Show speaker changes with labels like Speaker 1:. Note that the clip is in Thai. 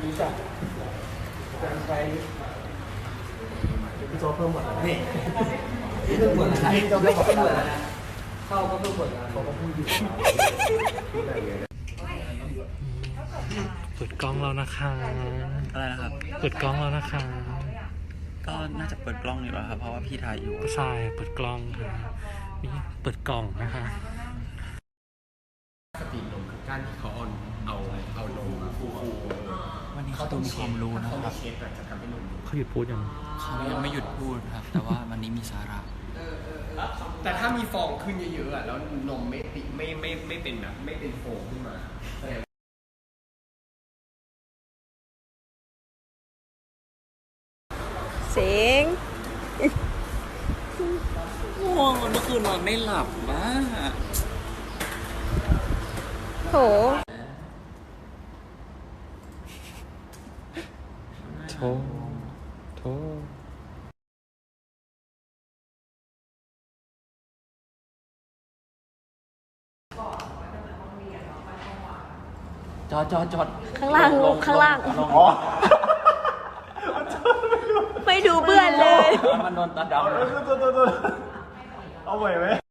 Speaker 1: รู้จักการใช้พี่โจเพิ่มหมดแล้วนี่เพิ่มหมดแล้วพี่โจเพิ่มหมดแล้วนะเข้าก็เพิ่มหมดแล้วเขาก็พูดอยู่
Speaker 2: เปิดกล้องแล้วนะคะ
Speaker 3: อะไรนะครับ
Speaker 2: เปิดกล้องแล้วนะคะ
Speaker 3: ก็น่าจะเปิดกล้องอยู่แล้วครับเพราะว่าพี่ถ่ายอยู่
Speaker 2: ใช่เปิดกล้องค่ะนี่เปิดกล่องนะคะ
Speaker 1: สตรีมนมคือการที่เขาเอานมฟู
Speaker 3: วันนี้เขาต้องมีความรู้นะ
Speaker 1: เขา
Speaker 3: ครับ
Speaker 1: เคสจะทำให้นม
Speaker 2: เขาหยุดพูดยัง
Speaker 3: เขายังไม่หยุดพูดครับ แต่ว่าวันนี้มีสาระ
Speaker 1: แต่ถ้ามีฟองขึ้นเยอะๆแล้วนมไม่เป็นแบบไม่เป็นโฟมขึ้นมา
Speaker 4: เสียง
Speaker 3: ง่วงเมื่อคืนนอนไม่หลับบ้า
Speaker 4: โถ
Speaker 2: โทโท
Speaker 3: จอด
Speaker 4: ข้างล่างลงข้างล่าง ไม่ดูเบื่อนเลย
Speaker 3: มันโดนตาดำ
Speaker 1: เอาไหวไหม